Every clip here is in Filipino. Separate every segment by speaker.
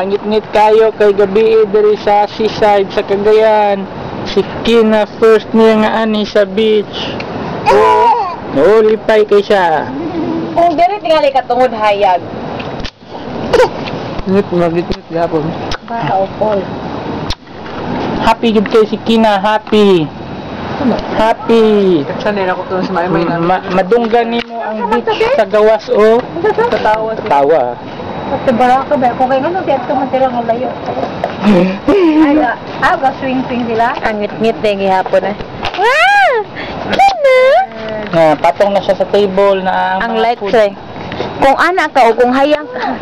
Speaker 1: Kangit-ngit kayo kay gabi diri sa seaside sa Cagayan. Si Kina first niya nga ani sa beach. Oo, lipay kay siya.
Speaker 2: Kung diri tingali ka tungod hayag.
Speaker 1: Ngit gapon.
Speaker 2: Bata Paul.
Speaker 1: Happy gid kay si Kina, happy. Happy.
Speaker 3: Sanay ako to sa may na.
Speaker 1: Madunggan nimo ang beach sa gawas o tawa.
Speaker 2: Pati bara ka ba? Kung kayo ano, tiyak man sila ng layo. Aga, swing-swing sila. Ang ngit-ngit na yung gihapon eh. Wow! Kina!
Speaker 1: Patong na siya sa table na
Speaker 2: Ang light tray. Kung anak ka o kung hayang ka.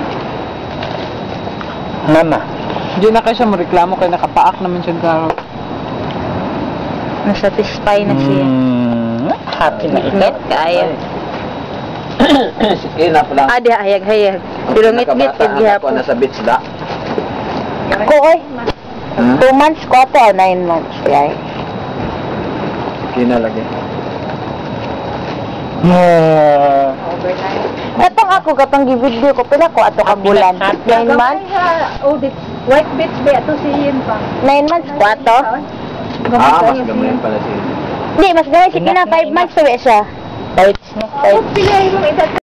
Speaker 1: Mama.
Speaker 3: Hindi na kayo siya mareklamo kaya nakapaak naman siya garo.
Speaker 2: Nasatisfy na siya.
Speaker 1: Happy na ikaw.
Speaker 2: Ngit kaya.
Speaker 4: Sige na pala.
Speaker 2: Adi, hayag-hayag. Pero ngit-ngit yung gihapon.
Speaker 4: Nasa beach da.
Speaker 2: Ko oy. 2 months ko to, 9 months. Yay.
Speaker 4: Sige na lagi.
Speaker 2: Katong ako, katong gi-video ko, pila ko ato ka bulan. 9 months?
Speaker 5: White beach ba? Ito si Ian pa.
Speaker 2: 9 months ko ato?
Speaker 4: Mas gamay pala siya.
Speaker 2: Hindi, mas gawin si Kina 5 months sabi siya.
Speaker 1: Bites, no?
Speaker 5: Pila yung edad